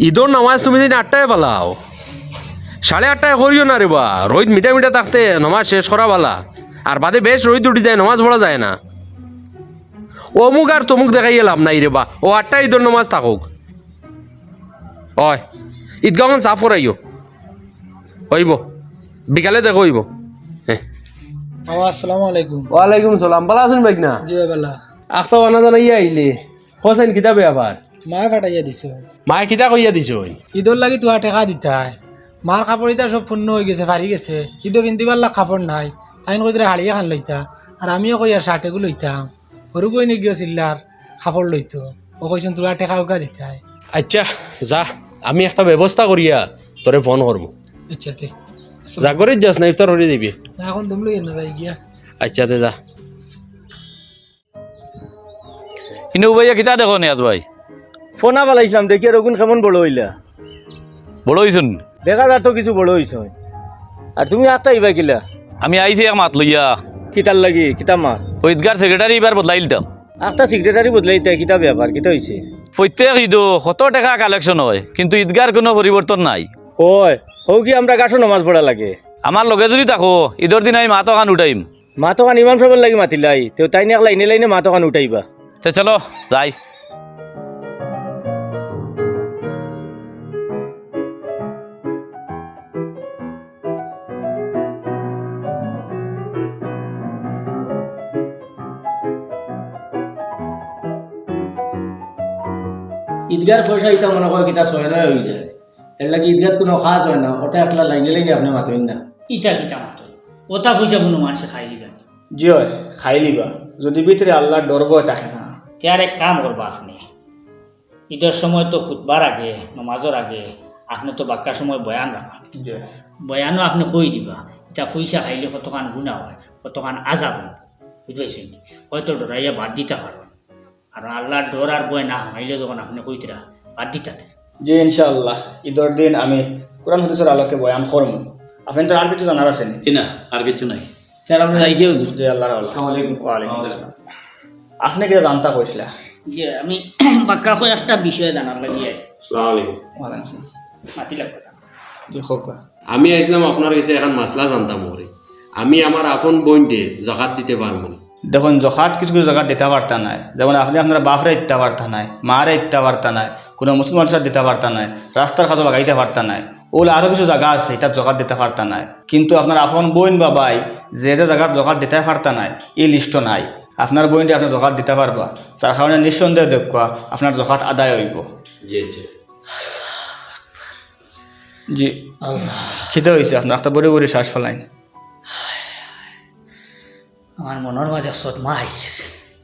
ঈদর নামাজ তুমি যদি 8টায় পালাও 8:30টায় করিও না রে বা রোদ মিঠা মিঠা থাকতে নামাজ শেষ করা বালা আর বাদে বেশ রোদ উঠি যায় নামাজ পড়া যায় না অমুক আর তমুক দেখাইয়ে লাভ নাই রে বা ও 8টায় ঈদর নামাজ থাকুক হয় ঈদগাহন সাফ করাইও হইব বিকালে দেখো হইব হ্যাঁ আসসালামু আলাইকুম। ওয়ালাইকুম সালাম ভালো আছেন বাইক না জি বালা আখতা বানা জানাইয়া আইলে হোসেন কিতাবে আবার মা ফাটাইয়া দিছ মায়ে কিতা কইয়া দিছ ঈদর লাগি তোমার টেকা দিতে হয় মার কাপড় ইতা সব পূর্ণ হয়ে গেছে ফারি গেছে ঈদও কিনতে পারলা কাপড় নাই তাই কই দিলে হাড়িয়ে খান লইতা আর আমিও কই আর শার্টেগু লইতাম সরু কই নি গিয়ে চিল্লার কাপড় লইতো ও কইছেন তোমার টেকা উকা দিতে হয়। আচ্ছা যা আমি একটা ব্যবস্থা করিয়া তোরে ফোন করবো আচ্ছা তে জাগরে যাস না ইফতার হয়ে যাবি এখন তুমি লই না যাই গিয়া আচ্ছা তে যা কিন্তু ভাইয়া কিতা দেখো নিয়াজ ভাই ফোনা পালাইছিলাম দেখি রগুন কেমন বড় হইলা বড় হইছুন দেখা যার তো কিছু বড় হইছ আর তুমি আত্মা ইবা কিলা আমি আইছি এক মাত লইয়া কিতার লাগি কিতা মার ওই ঈদগার সেক্রেটারি এবার বদলাই দিতাম আত্মা সেক্রেটারি বদলাইতে কিতা ব্যাপার কিতা হইছে প্রত্যেক ঈদও কত টাকা কালেকশন হয় কিন্তু ঈদগার কোনো পরিবর্তন নাই ওই হৌ কি আমরা গাছো নমাজ পড়া লাগে আমার লগে যদি থাকো ঈদের দিন আমি মাতো খান উঠাইম মাতকান ইমাম সাহেবের লাগি মাতিলাই তেও তাই নিয়ে লাইনে লাইনে মাতকান উঠাইবা তে চলো যাই ঈদগার পয়সা ইতা মনে হয় কিতা ছয় নয় হয়ে যায় এর লাগি ঈদগাত কোনো খাওয়া হয় না ওটা একলা লাইনে লাইনে আপনি মাতবেন না ইটা কিতা মাত্র ওটা পয়সা কোনো মানুষে খাই দিবেন জয় খাই লিবা যদি ভিতরে আল্লাহর ডর ভয় থাকে না তার এক কাম করবা আপনি ঈদের সময় তো খুতবার আগে নমাজের আগে আপনি তো বাক্কার সময় বয়ান রাখেন জয় বয়ানও আপনি কই দিবা এটা পয়সা খাইলে কতখান গুণা হয় কতখান আজাব হয় বুঝতে পারছেন হয়তো ডরাইয়া বাদ দিতে পারবেন আর আল্লাহর ডর আর বয় না হামাইলে যখন আপনি কইতরা বাদ দিতে জি ইনশাআল্লাহ ঈদের দিন আমি কোরআন হাদিসের আলোকে বয়ান করব আপনি তো আর কিছু জানার আছেন না আর কিছু নাই স্যার আপনি যাই গিয়ে হুজুর জি আল্লাহর আসসালামু আলাইকুম ওয়া আলাইকুম আসসালাম আপনি কি জানতা কইছিলা যে আমি বাক্কা হয়ে একটা বিষয় জানার লাগিয়ে আছি আসসালামু আলাইকুম ওয়া আলাইকুম আসসালাম মাতিলাম কথা জি হোক আমি আইসলাম আপনার কাছে এখন মাসলা জানতাম ওরে আমি আমার আপন বোনকে জাকাত দিতে পারবো না দেখুন জখাত কিছু কিছু জায়গা দিতে পারতা নাই যেমন আপনি আপনার বাপরে দিতে পারতা নাই মারে দিতে পারতা নাই কোনো মুসলমান সাথে দিতে পারতা নাই রাস্তার কাজও লাগাইতে পারতা নাই ওগুলো আরও কিছু জায়গা আছে এটা জকাত দিতে পারতা নাই কিন্তু আপনার আপন বোন বা ভাই যে যে জায়গার জকাত দিতে পারতা নাই এই লিস্টও নাই আপনার বোনটি আপনি জকাত দিতে পারবা তার কারণে নিঃসন্দেহ দেখবা আপনার জকাত আদায় হইব জি জি জি খিদে হয়েছে আপনার একটা বড়ি বড়ি শ্বাস ফেলাইন আমার মনের মাঝে সদমা হয়ে গেছে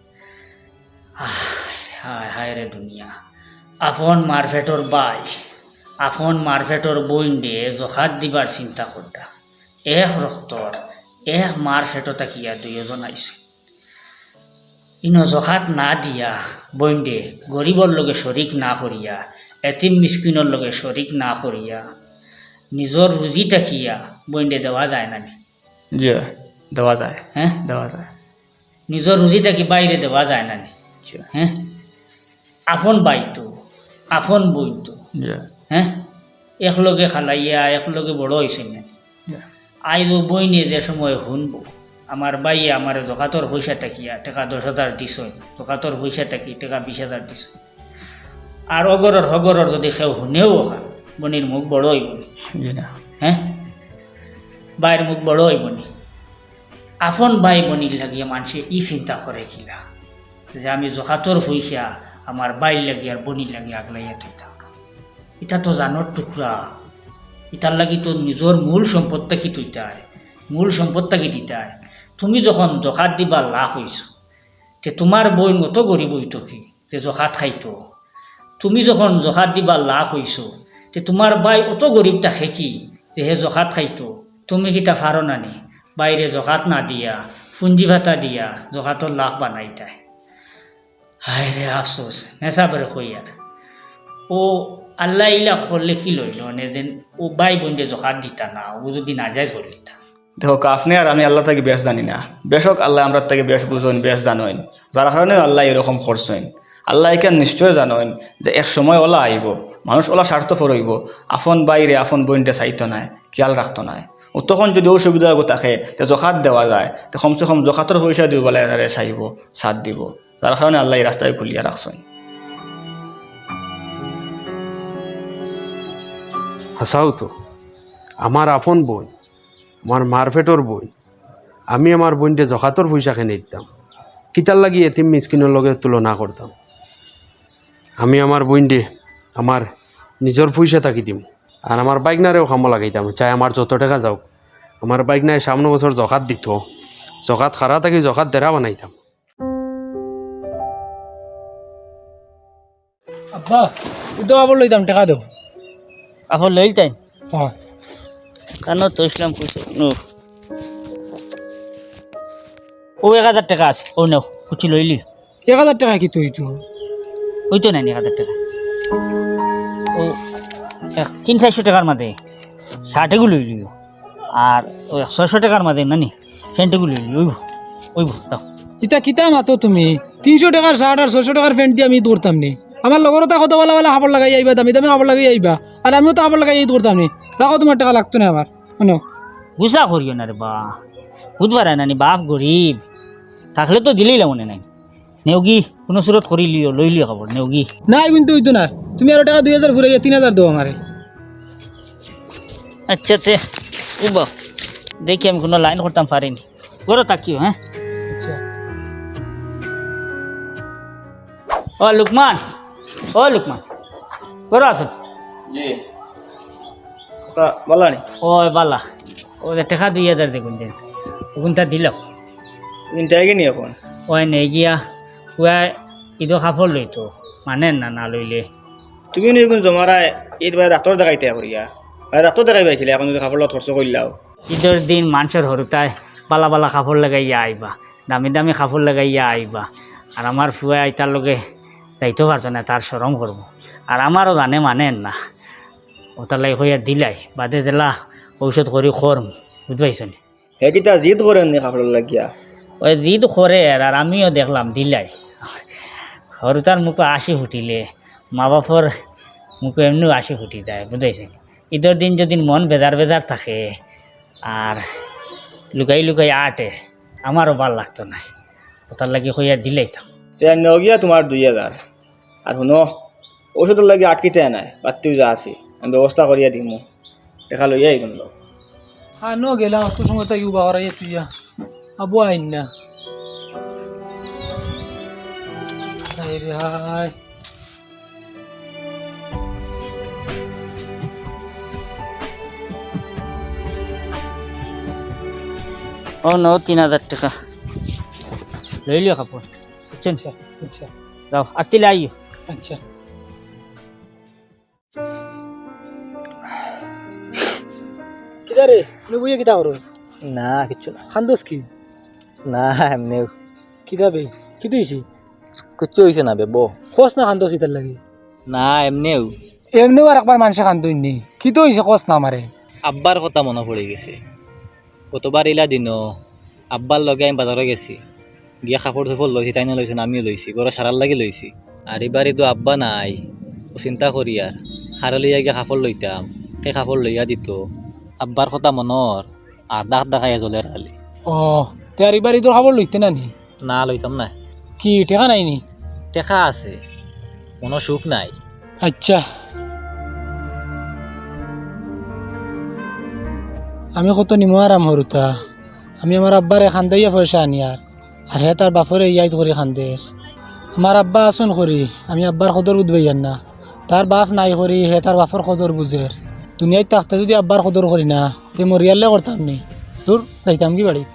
হায় হায় রে দুনিয়া আপন মারভেটর বাই আপন মারভেটর বইন দিয়ে জখাত দিবার চিন্তা করতা এক রক্তর এক মার ফেটো তাকিয়া দুইজন আইছে ইনো জখাত না দিয়া বইন দে গরিবর লগে শরিক না করিয়া এতিম মিসকিনের লগে শরিক না করিয়া নিজর রুজি তাকিয়া বইন দে দেওয়া যায় না জি দেওয়া যায় হ্যাঁ দেওয়া যায় নিজর রুজিটা কি বাইরে দেওয়া যায় না হ্যাঁ আপন বাইতো আপন বইতো জি হ্যাঁ একলগে খালাইয়া একলগে বড় হয়েছে না আইব বই নিয়ে যে সময় শুনবো আমার বাইয়ে আমার জকাতর পয়সা টাকিয়া টাকা 10,000 দিছ জকাতর পয়সা টাকি টাকা 20,000 দিছ আর অগরর হগরর যদি সেও শুনেও বনির মুখ বড় হইব জি না হ্যাঁ বাইয়ের মুখ বড় হইব নি আপন ভাই বনির লাগিয়া মানুষে ই চিন্তা করে কিলা যে আমি জকাতর পয়সা আমার বাইর লাগি আর বনির লাগি আগলাইয়া থইতাম এটা তো জানোর টুকরা ইটার লাগি তো নিজের মূল সম্পদটা কি তুইতায় মূল সম্পদটা কি দিতায় তুমি যখন জকাত দিবা লাভ হইছ তে তোমার বই মতো গরিব হইতো কি যে জকাত খাইতো তুমি যখন জকাত দিবা লাভ হইছ তে তোমার বাই অত গরিব থাকে কি যে হে জকাত খাইতো তুমি কিতা ফারো নানি বাইরে জকাত না দিয়া পুঞ্জি ভাতা দিয়া জকাতর লাভ বানাইতায় হায় রে আফসোস নেশা বেড়ে কইয়ার ও আল্লাহ ইলা করলে কি লইল দেন ও বাই বোনদের জকাত দিতা না ও যদি না যায় করলিতা দেখো আপনি আর আমি আল্লাহ থেকে বেশ জানি না বেশক আল্লাহ আমরা থেকে বেশ বুঝেন বেশ জানেন যার কারণে আল্লাহ এরকম করছেন আল্লাহ এখান নিশ্চয় জানেন যে এক সময় ওলা আইব, মানুষ ওলা স্বার্থপর হইব, আপন বাইরে আপন বইনটা চাইতো নাই, খেয়াল রাখতো নাই। ও তখন যদি অসুবিধা থাকে তে জখাত দেওয়া যায়, তো কমসে কম জখাতের পয়সা দিব বলে এনারে চাইব, সাথ দিব। তার কারণে আল্লাহ এই রাস্তায় খুলিয়া রাখছেন। হাসাও তো, আমার আপন বোন, আমার মারফেটর বোন, আমি আমার বোনটে জখাতর পয়সা খেনে দিতাম, কিতার লাগি এতিম মিসকিনের লগে তুলনা করতাম। আমি আমার বোনটে আমার নিজের পয়সা থাকি দিম, আর আমার বাইকনারেও কামো লাগাইতাম, চাই আমার যত টাকা যাওক। আমার বাইকনায় সামনে বছর জখাত দিত, জখাত খারা থাকি জখাত দেরা বানাইতাম। আব্বা ইদো আবার লইতাম টাকা দেব। আফর লইল তাই হ্যাঁ কেন তো ইসলাম কইছে নো ও 1000 টাকা আছে, ও নাও কুচি লইলি। 1000 টাকা কি তুই তো ওই তো নাই 1000 টাকা, ও 300-400 টাকার মাঝে শার্টেগুলো লইলিও, আর ওই 600 টাকার মাঝে নানি প্যান্টগুলো লইলি। ওইব দাও। ইতা কিতা মাতো তুমি 300 টাকার শার্ট আর 600 টাকার প্যান্ট দিয়ে আমি ঈদ করতাম নি। আমার লগরও তা কত বলা কাপড় লাগাই আইবা, দামি দামি কাপড় লাগাই আইবা, আর আমিও তো কাপড় লাগাই ঈদ করতাম নি। রাখো, তোমার টাকা লাগতো না আমার। শুনো গুসা করিও না রে বা, বুধবার নানি বাপ গরিব থাকলে তো দিলেই মনে নাই। নেওগি কোনো সুরত করি লিও, লই লিও খবর নেওগি। নাই কিন্তু হইতো না, তুমি আরো টাকা 2000 ঘুরাইয়া 3000 দাও আমারে। আচ্ছা তে উবা দেখি আমি কোনো লাইন করতাম পারিনি, গরো তাকিও। হ্যাঁ আচ্ছা ও লুকমান, ও লুকমান গরো আছো? জি বলানি ও বালা, ও টাকা 2000 দেখুন দেন, ওগুনটা দিলাম। ইনটাই নি এখন ওই নেই গিয়া কুয়া ঈদো কাপড় লইতো মানে না না লইলে। তুমি নি কোন জমারায় ঈদ ভাই ডাক্তার দেখাইতে করিয়া ভাই ডাক্তার দেখাই পাইছিলে, এখন যদি কাপড় খরচ করলাও। ঈদের দিন মানুষের হরুতায় বালা বালা কাপড় লাগাইয়া আইবা, দামি দামি কাপড় লাগাইয়া আইবা, আর আমার ফুয়া আইতার লগে যাইতে পারতো না, তার সরম করবো। আর আমারও জানে মানেন না, ওটার লাগে হইয়া দিলাই বাদে দিলা ঔষধ করি খরম, বুঝবাইছো নি? হে কিতা জিদ করেন নি কাপড় লাগিয়া? ওই জিদ করে, আর আমিও দেখলাম দিলাই। হরুতার মুখে আসি ফুটিলে মা বাপর মুখে এমনিও আসি ফুটি যায়, বুঝাইছে? ঈদের দিন যদি মন বেজার বেজার থাকে আর লুকাই লুকাই আটে, আমারও ভাল লাগতো না, ওটার লাগে হইয়া দিলাইতাম। নগিয়া তোমার 2000, আর শুনো ওষুধের লাগে আটকিতে নাই, বাতিও যা আছি আমি ব্যবস্থা করিয়া দিমু, দেখা লইয়া এই কোন হ্যাঁ নো গেলাম তোর সঙ্গে তাই উবা হরাইয়া তুইয়া আবু আইন না। হাই রে হাই, ও ন 3000 টাকা লই লিও কাপড়, বুঝছেন? আচ্ছা আচ্ছা যাও আটতিলে আইও। আচ্ছা কিদা রে বুঝে কিতা করস? না কিচ্ছু না, খান্দোস কি? না এমনি কিতা বে কি তুইছি? কিচ্ছু হয়েছে না বে বো। খোঁজ না খান্দোস কিতার লাগে? না এমনিও এমনিও আর একবার মানুষে খান্দই নি, কি তো হয়েছে খোঁজ না আমারে? আব্বার কথা মনে পড়ে গেছে। কতবার ইলা দিন আব্বার লগে আমি বাজারে গেছি, গিয়া কাপড় চোপড় লইছি, তাই না লইছেন আমিও লইছি, ঘরে সারার লাগে লইছি। আর এবারে তো আব্বা নাই, ও চিন্তা করি আর সারা লইয়া গিয়া কাপড় লইতাম, সেই কাপড় লইয়া দিত। আব্বার কথা মনৰ আর দাগ দেখাইয়া জ্বলের খালি। ও তার এবার তোর খবর লইতে না নি? না লইতাম না, কি টেকা নাই নি? টেকা আছে, কোনো সুখ নাই। আচ্ছা আমি কত নিমো আরাম হরুতা, আমি আমার আব্বারে খান্দাইয়া পয়সা আনি আর হে তার বাপরে ইয়াই করি খান্দের। আমার আব্বা আসন করি, আমি আব্বার সদর বুঝবাইয়ার না, তার বাপ নাই করি হে তার বাপর সদর বুঝের। দুনিয়ায় থাকতে যদি আব্বার সদর করি না তে মরিয়ালে করতাম নি, দূর যাইতাম কি বাড়িত।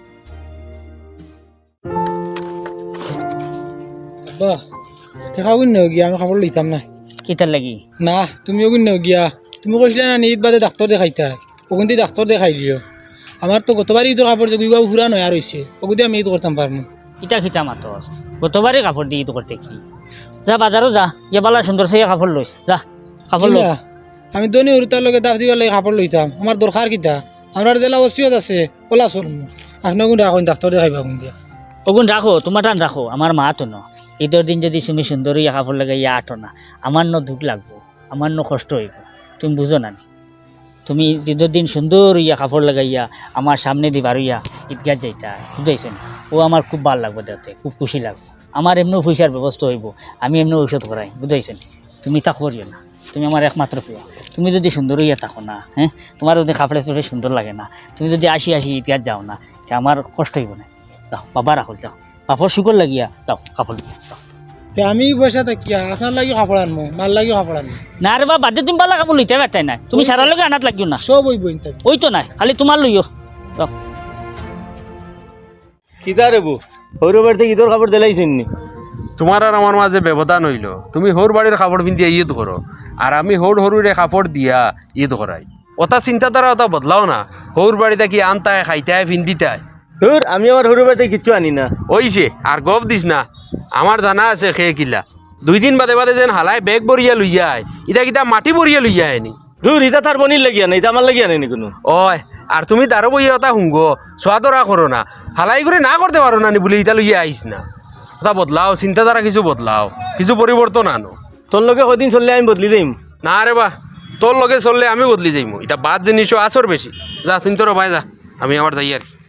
আব্বা টেকা গুণ গিয়া আমি খাবার লইতাম না। কিতার লাগি? না তুমিও গুণ গিয়া, তুমি কৈছিলা না ঈদ বাদে ডাক্তার দেখাইতা, ওগুনটি ডাক্তার দেখাই দিও। আমার তো গতবার ঈদের কাপড় যে গুইবা ফুরা নয়া রয়েছে, ওগুদি আমি ঈদ করতাম পারবো। ইটা খিতা মাতস গতবারে কাপড় দিয়ে ঈদ করতে কি? যা বাজারও যা, গিয়ে বালা সুন্দর সে কাপড় লইস, যা কাপড় লই। চিন্তা, আমি দনি হরুতার লগে দাফ দিবার লাগে কাপড় লইতাম, আমার দরকার কিতা? আমার জেলা ওসিয়ত আছে ওলা চলমু, আপনার গুণ রাখুন ডাক্তার দেখাইবা গুণ দিয়া। ওগুন রাখো, তোমার টান রাখো, আমার মা তো ন ঈদের দিন যদি তুমি সুন্দর ইয়া কাপড় লাগাইয়া আটো না, আমার ন দুঃখ লাগবো, আমার ন কষ্ট হইব, তুমি বুঝো না নি? তুমি ঈদের দিন সুন্দর ইয়া কাপড় লাগাইয়া আমার সামনে দি বারুইয়া ঈদগাহ যাইতা, বুঝাইছেন? ও আমার খুব ভালো লাগবে, দেখতে খুব খুশি লাগবে। আমার এমনিও পয়সার ব্যবস্থা হইব, আমি এমনি ঔষধ করাই, বুঝাইছেন? তুমি তা করিও না, তুমি আমার একমাত্র প্রিয়। তুমি যদি সুন্দর হইয়া থাকো না, হ্যাঁ, তোমার যদি কাপড়ে চোপড়ে সুন্দর লাগে না, তুমি যদি আসি ঈদগাহ যাও না, তা আমার কষ্ট হইব না। দাও বাবা, রাখো, যাও কাপড় শুকর লাগিয়া দাও, কাপড় দাও। তে আমি পয়সা থাকিয়া আপনার লাগি কাপড় আনবো, মার লাগি কাপড় আনবো, না রে বা বাদে তুমি বালা কাপড় লইতে পারতাই না, তুমি সারার লগে আনাত লাগিও না, সব ওই বইন থাকবে। ওই তো নাই, খালি তোমার লইও দাও। কিতা রে বউ সৌর বাড়িতে ঈদর কাপড় দিলাইছেন নি? তোমার আর আমার মাঝে ব্যবধান হইল, তুমি হোর বাড়ির কাপড় পিন্ধিয়া ঈদ করো, আর আমি হরুরে কাপড় দিয়া ঈদ করাই। ওটা চিন্তাধারা ওটা বদলাও না। হোর বাড়িতে কি আনতায়, খাইতায়, পিন্ধিতায়। ধুর, আমি আমার সৌর বাড়িতে কিচ্ছু আনি না। ওইছে আর গপ দিস না, আমার জানা আছে খেয়ে কিলা। 2 দিন বাদে বাদে যেন হালাই বেগ বরিয়া লইয়া আয়, ইটা কিতা মাটি বরিয়া লইয়া আয়নি। ধুর, ইটা তার বনির লাগিয়া না, এটা আমার লাগিয়া নেই কোনো। ওই আর তুমি তারও বইয়া ওটা হুঙ্গ সোয়াদরা করো না, হালাই করে না করতে পারো না নি বলে ইটা লইয়া আইস না। ওটা বদলাও, চিন্তাধারা কিছু বদলাও, কিছু পরিবর্তন আনো। তোর লগে কদিন চললে আমি বদলি দিম। না রে বা, তোর লগে চললে আমি বদলি যাইমু। এটা বাদ জিনিসও আসর বেশি। যা তুমি তোর ভাই যা, আমি আমার যাই আর কি।